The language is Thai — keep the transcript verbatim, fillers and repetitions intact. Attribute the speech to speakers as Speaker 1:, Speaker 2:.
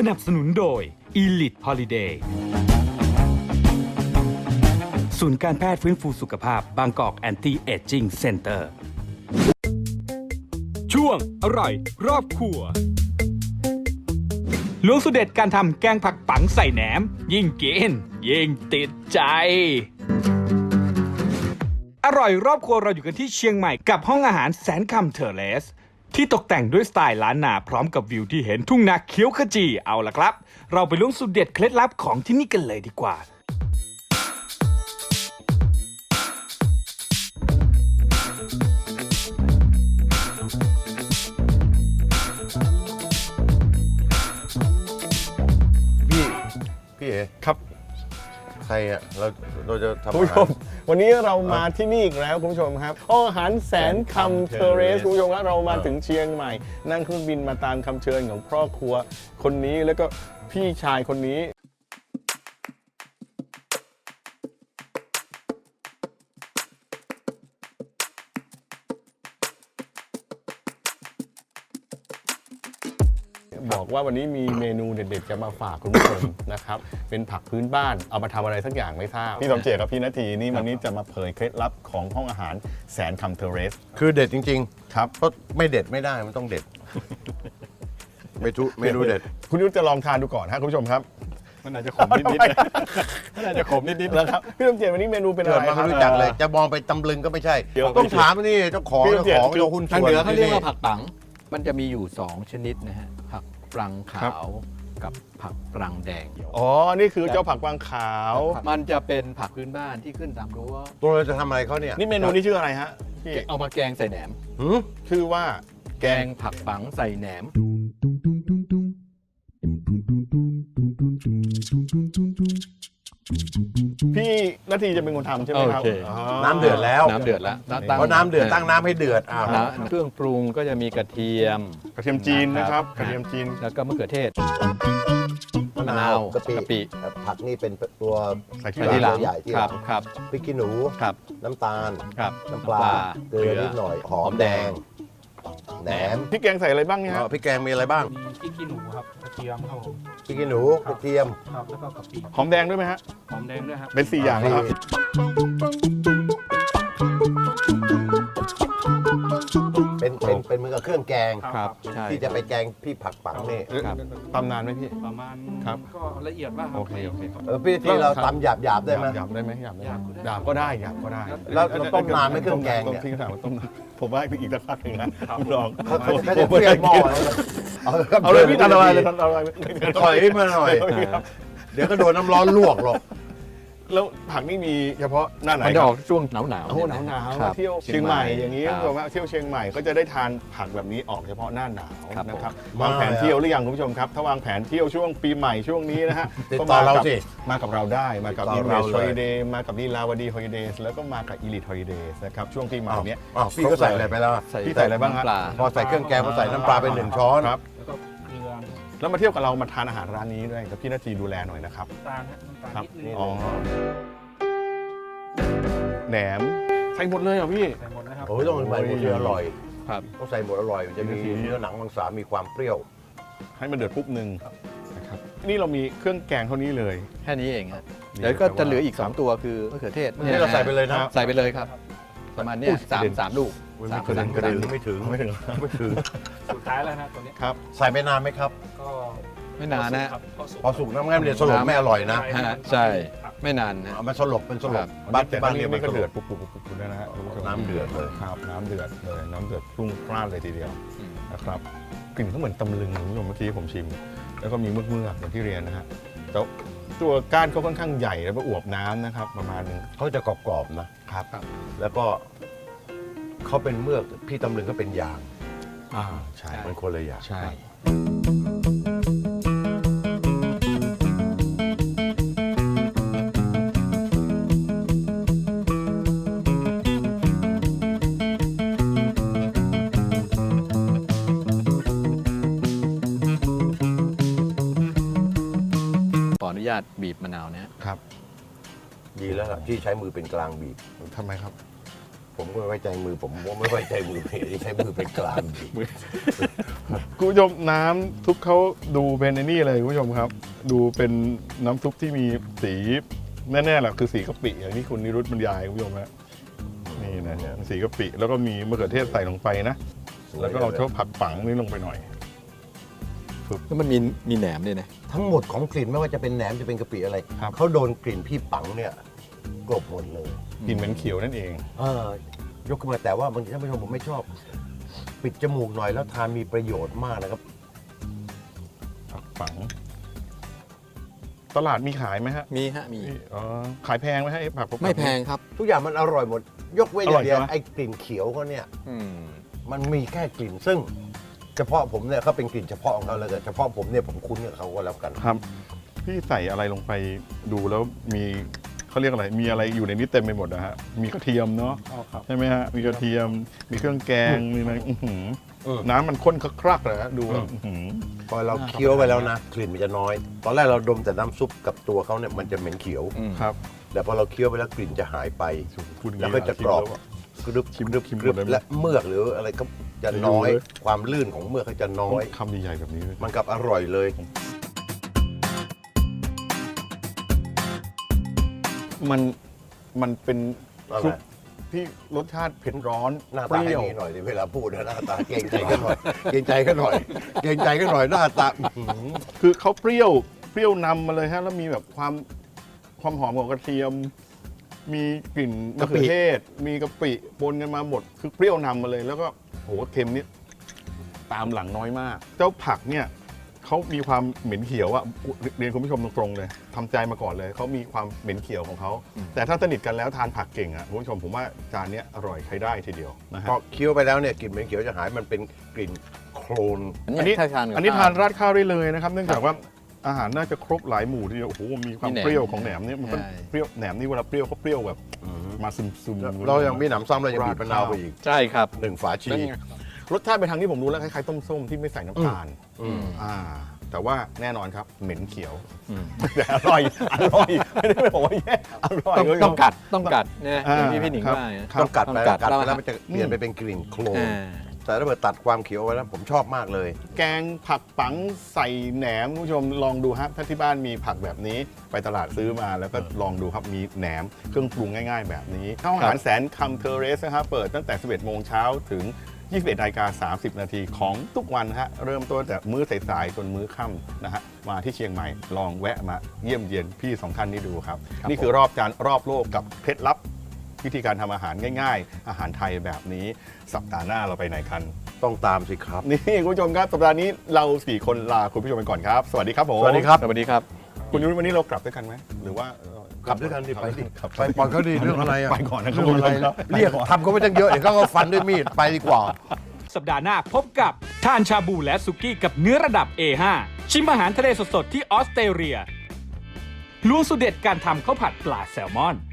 Speaker 1: นับสนุนโดย Elite Holiday ศูนย์การแพทย์ฟื้นฟูสุขภาพบางกอกแอนตี้เอจจิ้งเซ็นเตอร์ช่วงอร่อยรอบครัวล้วงสูตรเด็ดการทำแกงผักปังใส่แหนมยิ่งกินยิ่งติดใจอร่อยรอบครัวเราอยู่กันที่เชียงใหม่กับห้องอาหารแสนคำเทอร์เลสที่ตกแต่งด้วยสไตล์ล้านนาพร้อมกับวิวที่เห็นทุ่งนาเขียวขจีเอาล่ะครับเราไปล้วงสูตรเด็ดเคล็ดลับของที่นี่กันเลยดีกว่า
Speaker 2: พี่พี่เอ๋
Speaker 3: ครับ
Speaker 2: ใครอ่ะเราเราจะทำ
Speaker 3: คุณ
Speaker 2: อา
Speaker 3: ผู้ช
Speaker 2: หาร
Speaker 3: มวันนี้เรามาที่นี่อีกแล้วคุณผู้ชมครับห้องอาหารแสนคำเทเรสคุณผู้ชมครับเรามาถึงเชียงใหม่นั่งเครื่องบินมาตามคำเชิญของครอบครัวคนนี้แล้วก็พี่ชายคนนี้บอกว่าวันนี้มีเมนูเด็ดๆจะมาฝากคุณผู้ชม นะครับเป็นผักพื้นบ้านเอามาทำอะไรสักอย่างไม่ทราบพี่สมเจตกับพี่นาทีนี่วันนี้จะมาเผยเคล็ดลับของห้องอาหารแสนคำเทเรส
Speaker 2: คือเด็ดจริง
Speaker 3: ครับ
Speaker 2: ๆเพราะไม่เด็ดไม่ได้มันต้องเด็ด ไม่ทุเมนูเด็ด
Speaker 3: คุณยุทธจะลองทานดูก่อนฮะคุณผู้ชมครับ
Speaker 4: มันอาจจะขมนิดๆนะมันอาจจะขมนิดๆ
Speaker 3: แล้วครับพี่สมเจตวันนี้เมนูเป็นอะ
Speaker 2: เกิด
Speaker 3: ไร
Speaker 2: มา
Speaker 3: ครั
Speaker 2: ไม่
Speaker 3: บ
Speaker 2: รู้จักเลย จะมองไปตำลึงก็ไม่ใช่
Speaker 3: เดี๋ยว
Speaker 2: ต้องถามนี่เจ้าของ
Speaker 3: พี่
Speaker 2: เจ้า
Speaker 3: เกียรติ
Speaker 2: ของเจ้าหุ้น
Speaker 4: ทาง
Speaker 2: ส่วน
Speaker 4: เหนือเขาเรียกว่า
Speaker 2: ที่
Speaker 4: ผักปัง มันจะมีอยู่สองชนิดนะฮะ ผักปรังขาวกับผักปรังแดง
Speaker 3: อ๋อนี่คือเจ้าผักกวางขาว
Speaker 4: มันจะเป็นผักพื้นบ้านที่ขึ้นตามรั้ว
Speaker 2: ตัวเราจะทำอะไรเขาเนี่ย
Speaker 3: นี่เมนูนี้ชื่ออะไรฮะพี่
Speaker 4: เอามาแกงใส่แหนม
Speaker 2: หืม
Speaker 3: ชื่อว่าแก
Speaker 4: แก
Speaker 3: ง
Speaker 4: งผักปังใส่แหนม
Speaker 3: พี่นาทีจะเป็นคนทำใช่ไหมครับ
Speaker 4: โอเค
Speaker 3: อ๋อ
Speaker 2: น้ำเดือดแล้ว
Speaker 4: น้ำเดือดแล้ว
Speaker 2: เพราะน้ำเดือดตั้งน้ำให้เดือดอ้าว
Speaker 4: นะเครื่องปรุงก็จะมีกระเทียม
Speaker 3: กระเทียมจีนนะครับกระเทียมจีน
Speaker 4: แล้วก็มะเขือเทศ
Speaker 2: มะ
Speaker 4: มะ
Speaker 2: นาน
Speaker 4: าว ว
Speaker 2: กะปิ
Speaker 4: กะปิ
Speaker 2: ผักนี่เป็นตัว
Speaker 3: ใส่ที่
Speaker 4: ใส่ที่ห
Speaker 3: ห
Speaker 4: ลั
Speaker 3: ลั
Speaker 4: ง
Speaker 3: ง
Speaker 2: ใหญ่ที่
Speaker 4: ค
Speaker 2: หลั
Speaker 4: รับ
Speaker 2: ง
Speaker 4: ครับ
Speaker 2: พริกขี้หนู
Speaker 4: ครับ
Speaker 2: น้ำตาล
Speaker 4: ครับ
Speaker 2: น้ำปลาเกลือนิดหน่อยหอมแดงแหนม
Speaker 3: พี่แกงใส่อะไรบ้างเนี่ย
Speaker 2: อ๋
Speaker 3: ฮะ
Speaker 2: อพริกแกงมีอะไรบ้าง
Speaker 5: มีพริกขี้หนูครับกระเทียมครับผม
Speaker 2: พริกขี้หนูกระเทียม
Speaker 5: ครับแล้วก็กะปิ
Speaker 3: หอมแดงด้วยไหมฮะ
Speaker 5: หอมแดงด้วยครับ
Speaker 3: เป็นสี่อย่างนะครับ
Speaker 2: เป็นเป็นเป็นเหมือนกับเครื่องแกง
Speaker 4: ครับใช่
Speaker 2: ที่จะไปแกงพี่ผักปังนี่
Speaker 4: ครับ
Speaker 3: ตำนานไหมพี่
Speaker 5: ประมาณ
Speaker 3: ครับ
Speaker 5: ก็ละเอียดมากครับ
Speaker 3: โอเคโอเคครับ
Speaker 2: เออพี่ที่เราตำหยาบหยาบๆได้ไหม
Speaker 3: หยาบได้ไหมหยาบได้ไหมหยาบก็ได้หยาบก็ได้
Speaker 2: แล้วเราต้มนานไหมเครื่องแกงเนี่ย
Speaker 3: ต้มทิ้งถามว่าต้มนานผมว่าอีกสักพักหนึ่งนะคุณลอง
Speaker 2: เขาเขาเขาจะเพี้ยนหม้อเอา
Speaker 3: เอาเลยพี่ทำอะไรเลยทำอะไร
Speaker 2: ถอยมาหน่อย เดี๋ยวก็โดนน้ำร้อนลวกหรอก
Speaker 3: แล้วผักนี่มีเฉพาะหน้าไหน
Speaker 4: มัน
Speaker 3: ค
Speaker 4: จะ
Speaker 3: รั
Speaker 4: อบ อกช่วงหนาวหนาว
Speaker 3: โอ้โหหนาวหนาว
Speaker 4: ครับ
Speaker 3: เที่ยวเชียงใหม่อย่างนี้
Speaker 4: ครับ
Speaker 3: ผมว่าเที่ยวเชียงใหม่ก็จะได้ทานผักแบบนี้ออกเฉพาะหน้าหนาว
Speaker 4: ครับ
Speaker 3: นะครับ
Speaker 2: ผม
Speaker 3: วางแผนเที่ยวหรือยังคุณผู้ชมครับถ้าวางแผนเที่ยวช่วงปีใหม่ช่วงนี้นะฮะ
Speaker 2: ติด
Speaker 3: ก็
Speaker 2: ต่อ
Speaker 3: มา
Speaker 2: เรา
Speaker 3: กับ
Speaker 2: สิ
Speaker 3: มากับเราได้มากับ
Speaker 2: ติ
Speaker 3: อิ
Speaker 2: ด
Speaker 3: น
Speaker 2: ต่
Speaker 3: เว
Speaker 2: อ
Speaker 3: ส
Speaker 2: เรา
Speaker 3: ฮ
Speaker 2: เลย
Speaker 3: อลิเดย์มากับลีลาวดีฮอลิเดย์แล้วก็มากับอีลิทฮอลิเดย์นะครับช่วงปีใหม่
Speaker 2: อ้าว
Speaker 3: เนี้ย
Speaker 2: อ้าวพี่ก็ใส่อะไรไปแล้วอะ
Speaker 4: ใส่
Speaker 3: พี่ใส่อะไรบ้างฮะ
Speaker 4: น้ำปลา
Speaker 2: พอใส่เครื่องแกงพอใส่น้ำปลาไปหนึ่งช้อน
Speaker 3: ครับ
Speaker 5: แล้วก็เกลือ
Speaker 3: แล้วมาเที่ยวกับเรามาทานอาหารร้านนี้ด้วยกับพี่นาทีดูแลหน่อยนะครับ
Speaker 5: น้ำตาลครับน้ำตาล
Speaker 3: ครับ
Speaker 5: นิดนึง
Speaker 3: อ๋อแหนมใส่หมดเลยเหรอพี่
Speaker 5: ใส่หมดนะครับ
Speaker 2: โอ้ยต้องใส่หมดเลยอร่อย
Speaker 4: ครับ
Speaker 2: ต้องใส่หมดอร่อยมันจะมีเนื้อหนังมังสามีความเปรี้ยว
Speaker 3: ให้มันเดือดปุ๊บหนึ่งนะครับนี่เรามีเครื่องแกงเท่านี้เลย
Speaker 4: แค่นี้เองฮะ
Speaker 3: นี่
Speaker 4: เดี๋ยวก็
Speaker 3: แต่ว่า
Speaker 4: จะเหลืออีก สอง ตัวคือมะเขือเทศ
Speaker 2: นี่เราใส่ไปเลยนะ
Speaker 4: ใส่ไปเลยครับ ประมาณเนี้ยสามสามลูกสาม
Speaker 2: กระ
Speaker 4: สา
Speaker 2: ดึ
Speaker 4: ม
Speaker 2: ง
Speaker 4: ก
Speaker 2: ก
Speaker 4: ระ
Speaker 2: ระ
Speaker 4: ดึ
Speaker 2: ดึ
Speaker 4: ง
Speaker 2: งไม่ถึง
Speaker 3: ไม่ถึง
Speaker 2: ไม่ถึง
Speaker 5: สุดท้ายแล้วนะตัวนี้
Speaker 3: ครับ
Speaker 2: ใส่ไปนานไหมครับ
Speaker 5: ก็
Speaker 4: ไม่นานนะ
Speaker 5: ครับเข้าสู่
Speaker 2: พอสุกน้ำงั้นเดี๋ยวสลบไม่อร่อยนะ
Speaker 4: ฮะใช่ไม่นานนะ
Speaker 2: เอามันสลบเป็นสล
Speaker 4: ครับ บ
Speaker 2: บ้าน
Speaker 3: แต่
Speaker 2: บ้า
Speaker 3: บ้าน น
Speaker 2: เรี
Speaker 3: นี้
Speaker 2: ยกมัน
Speaker 3: ก็
Speaker 2: สล
Speaker 3: เดือบ ดปุ๊บปุ๊บปุ๊บปุ๊บนะฮะคุณผู้ชม
Speaker 2: น้ำเดือดเลย
Speaker 3: ครับน้ำเดือดเลยน้ำเดือดพุ่งพล่านเลยทีเดียว
Speaker 4: อืม
Speaker 3: นะครับกลิ่นก็เหมือนตำลึงคุณผู้ชมเมื่อกี้ผมชิม แล้วก็มีเมือกเมือกๆอย่างที่เรียนนะฮะแต่ตัวก้านเขาค่อนข้างใหญ่แล้วก็อวบน้ำนะครับประมาณนึง
Speaker 2: เขาจะกรอบๆนะครับ แล้วก็เขาเป็นเมือกพี่ตำลึงก็เป็นยาง
Speaker 3: อ่าใช่
Speaker 2: มันคนละอย่าง
Speaker 3: ใช่
Speaker 4: ขออนุญาตบีบมะนาวนะฮะ
Speaker 3: ครับ
Speaker 2: ดีแล้วล่ะที่ใช้มือเป็นกลางบีบ
Speaker 3: ทำไมครับ
Speaker 2: ผมก็ไม่ไว้ใจมือผมผมไม่ไว้ใจมือเพจที่ใช้มือเป็นกลางดี
Speaker 3: คุณผู้ชมน้ำซุปเขาดูเป็นไอ้นี่เลยคุณผู้ชมครับ ดูเป็นน้ำซุปที่มีสีแน่ๆแหละคือสีกะปิอย่างที่คุณนิรุตบรรยายคุณผู้ชมฮะนี่นะฮะสีกะปิแล้วก็มีมะเขือเทศใส่ลงไปนะ แล้วก็เอาเท่าผักปังนี่ลงไปหน่อย
Speaker 4: แล้วมันมีมีแหนมด้วยนะ
Speaker 2: ทั้งหมดของกลิ่นไม่ว่าจะเป็นแหนมจะเป็นกะปิอะไร
Speaker 3: ครับ
Speaker 2: เขาโดนกลิ่นพี่ปังเนี่ยกลบหมดเลย
Speaker 3: กลิ่นเหม็นเขียวนั่นเอง
Speaker 2: เออยกขึ้นมาแต่ว่าบางทีท่านผู้ชมผมไม่ชอบ ปิดจมูกหน่อยแล้วทานมีประโยชน์มากนะครับ
Speaker 3: ผักปัง ตลาดมีขายไหมฮะ
Speaker 4: มีฮะมี
Speaker 3: อ๋อขายแพงไหมฮะไอ้ผักปัง
Speaker 4: ไม่แพงครับ
Speaker 2: ทุกอย่างมันอร่อยหมด ยกเว้นอ
Speaker 3: อร่อย่าง
Speaker 2: ยเดียว
Speaker 3: ใช่ไหม
Speaker 2: ไอ้กลิ่นเขียวเขาเนี่ย
Speaker 4: อืม
Speaker 2: มันมีแค่กลิ่นซึ่ง เฉพาะผมเนี่ยเขาเป็นกลิ่นเฉพาะของเขาแล้วแต่เฉพาะผมเนี่ยผมคุ้นกับเขาก็แล้วกัน
Speaker 3: ครับ พี่ใส่อะไรลงไปดูแล้วมีเขาเรียกอะไร มีอะไรอยู่ในนี้เต็มไปหมดนะฮะ มีกระเทียมเนาะ
Speaker 5: อ๋อครับ
Speaker 3: ใช่ไหมฮะ มีกระเทียม มีเครื่องแกง มีอะไรอื้อหือ
Speaker 2: อืม
Speaker 3: น้ำมันข้นคลักๆเลยฮะดูแล้วอื้อหือ
Speaker 2: พอเราเคี้ยวไปแล้วนะ กลิ่นมันจะน้อย ตอนแรกเราดมแต่น้ำซุปกับตัวเขาเนี่ยมันจะเหม็นเขียว
Speaker 4: อืม
Speaker 3: ครับ
Speaker 2: แต่พอเราเคี้ยวไปแล้วกลิ่นจะหายไป
Speaker 3: พูดอย่าง
Speaker 2: แล้ว
Speaker 3: นี้
Speaker 2: ก็จะกรอบ กรึบ
Speaker 3: ชิม
Speaker 2: กรึบ
Speaker 3: ชิม
Speaker 2: กรึบ
Speaker 3: หมดเลยไหม
Speaker 2: และเมือกหรืออะไรก็จะน้อย
Speaker 3: ไปดูเลย
Speaker 2: ความลื่นของเมือกเขาจะน้อย
Speaker 3: คำใหญ่ๆแบบนี้เลย
Speaker 2: มันกับอร่อยเลย
Speaker 3: มันมันเป็น
Speaker 2: อะไร
Speaker 3: ซุปที่รสชาติเผ็ดร้อน
Speaker 2: หน้า
Speaker 3: เป
Speaker 2: ตาให้
Speaker 3: รี้ยว
Speaker 2: ดีหน่อยดิเวลาพูดนะหน้าตาเกรงใจกันหน่อย เกรงใจกันหน่อย เกรงใจกันหน่อยหน้าตาอื้อหือ
Speaker 3: คือเขาเปรี้ยวเปรี้ยวนำมาเลยฮะแล้วมีแบบความความหอมของกระเทียม มีกลิ่นมะเขือเทศ มีกะปิปนกันมาหมด คือเปรี้ยวนำมาเลย แล้วก็โหเค็มนี่ตามหลังน้อยมาก เจ้าผักเนี่ยเขามีความเหม็นเขียวอะเรียนคุณผู้ชมตรงๆเลยทำใจมาก่อนเลยเขามีความเหม็นเขียวของเขาแต่ถ้าสนิทกันแล้วทานผักเก่งอะคุณผู้ชมผมว่าจานเนี้ยอร่อยใช้ได้ทีเดียวนะฮะ
Speaker 2: พอเคี้ยวไปแล้วเนี่ยกลิ่นเหม็นเขียวจะหายมันเป็นกลิ่นโคลน
Speaker 4: อันนี้ถ้าทานกับ
Speaker 3: อันนี้
Speaker 4: ข้ว
Speaker 3: ทานราดข้าวได้เลยนะครับ เนื่องจากว่าอาหารน่าจะครบหลายหมู่ทีเดียวโอ้โหมีความ
Speaker 4: มีแหนม
Speaker 3: เปรี้ยวของแหนมเนี่ยมันก็
Speaker 4: ใช่
Speaker 3: เปรี้ยวแหนมนี่เวลาเปรี้ยวเขาเปรี้ยวแบบมาซึมซึมๆ
Speaker 2: เรายังมีหนำซ้ำเรายังบีบมะนาวไปอีก
Speaker 4: ใช่ครับ
Speaker 2: หนึ่งฝาชี
Speaker 3: เป็นไงรสชาติไปทางที่ผมรู้แล้วคล้ายๆต้มส้มที่ไม่ใส่น้ำตาล
Speaker 2: อืม
Speaker 3: อ่า แต่ว่าแน่นอนครับเหม็นเขียว
Speaker 4: อืม
Speaker 3: แต่อร่อยอร่อยไม่ได้บอกว่าแย่อร่อย
Speaker 4: ต้อง
Speaker 3: คุณผู้ชม
Speaker 4: ต้องกัดต้องกัดเนี่ย
Speaker 3: อ่า
Speaker 4: อย่างที่พี่หนิง
Speaker 3: ครับ
Speaker 4: ว่าเนี่ย
Speaker 2: ต้องกัดไป
Speaker 4: ต้องกัด
Speaker 2: กัดไป
Speaker 4: แล้
Speaker 2: แล้ว
Speaker 4: ว
Speaker 2: มันจะเปลี่ยนไปเป็นกลิ่นโคลน
Speaker 4: อ่า
Speaker 2: แต่ถ้าเกิดตัดความเขียวไว้แล้วผมชอบมากเลย
Speaker 3: แกงผักปังใส่แหนมคุณผู้ชมลองดูครับถ้าที่บ้านมีผักแบบนี้ไปตลาดซื้อมาแล้วก็ลองดูครับมีแหนมเครื่องปรุงง่าย ๆ แบบนี้ข้าวอาหารแสนคำเทอร์เรสนะครับเปิดตั้งแต่ สิบเอ็ดโมงเช้าถึง ยี่สิบเอ็ดนาฬิกาสามสิบนาทีของทุกวันฮะเริ่มต้นแต่มื้อสายๆจนมื้อค่ำนะฮะมาที่เชียงใหม่ลองแวะมาเยี่ยมเยียนพี่สองท่านนี้ดูครับ นี่คือรอบจานรอบโลกกับเคล็ดลับวิธีการทำอาหารง่ายๆ อาหารไทยแบบนี้สัปดาห์หน้าเราไปไหนกัน
Speaker 2: ต้องตามสิครับ
Speaker 3: นี่คุณผู้ชมครับสัปดาห์นี้เราสี่คนลาคุณผู้ชมไปก่อนครับ สวัสดีครับผม
Speaker 2: สวัสดีครับ
Speaker 4: สวัสดีครับ
Speaker 3: คุณยุ้ยวันนี้เรากลับด้วยกันไหมหรือว่า
Speaker 2: กลับด้วยกันดิไปดิ
Speaker 3: ครับ
Speaker 2: ไปปล่อยเขาดิเรื่องอะไรอะ
Speaker 3: ไปก่อนนะครับ
Speaker 2: เรื่องอะไร
Speaker 3: คุณผู้ชมครับ
Speaker 2: เรียกทำเขาไม่ตั้งเยอะเดี๋ยวเขาก็ฟันด้วยมีดไปดีกว่า
Speaker 1: สัปดาห์หน้าพบกับทานชาบูและสุกี้กับเนื้อระดับ เอ ห้า ชิมอาหารทะเลสดๆที่ออสเตรเลียล้วงสูตรเด็ดการทำข้าวผัดปลาแซลมอน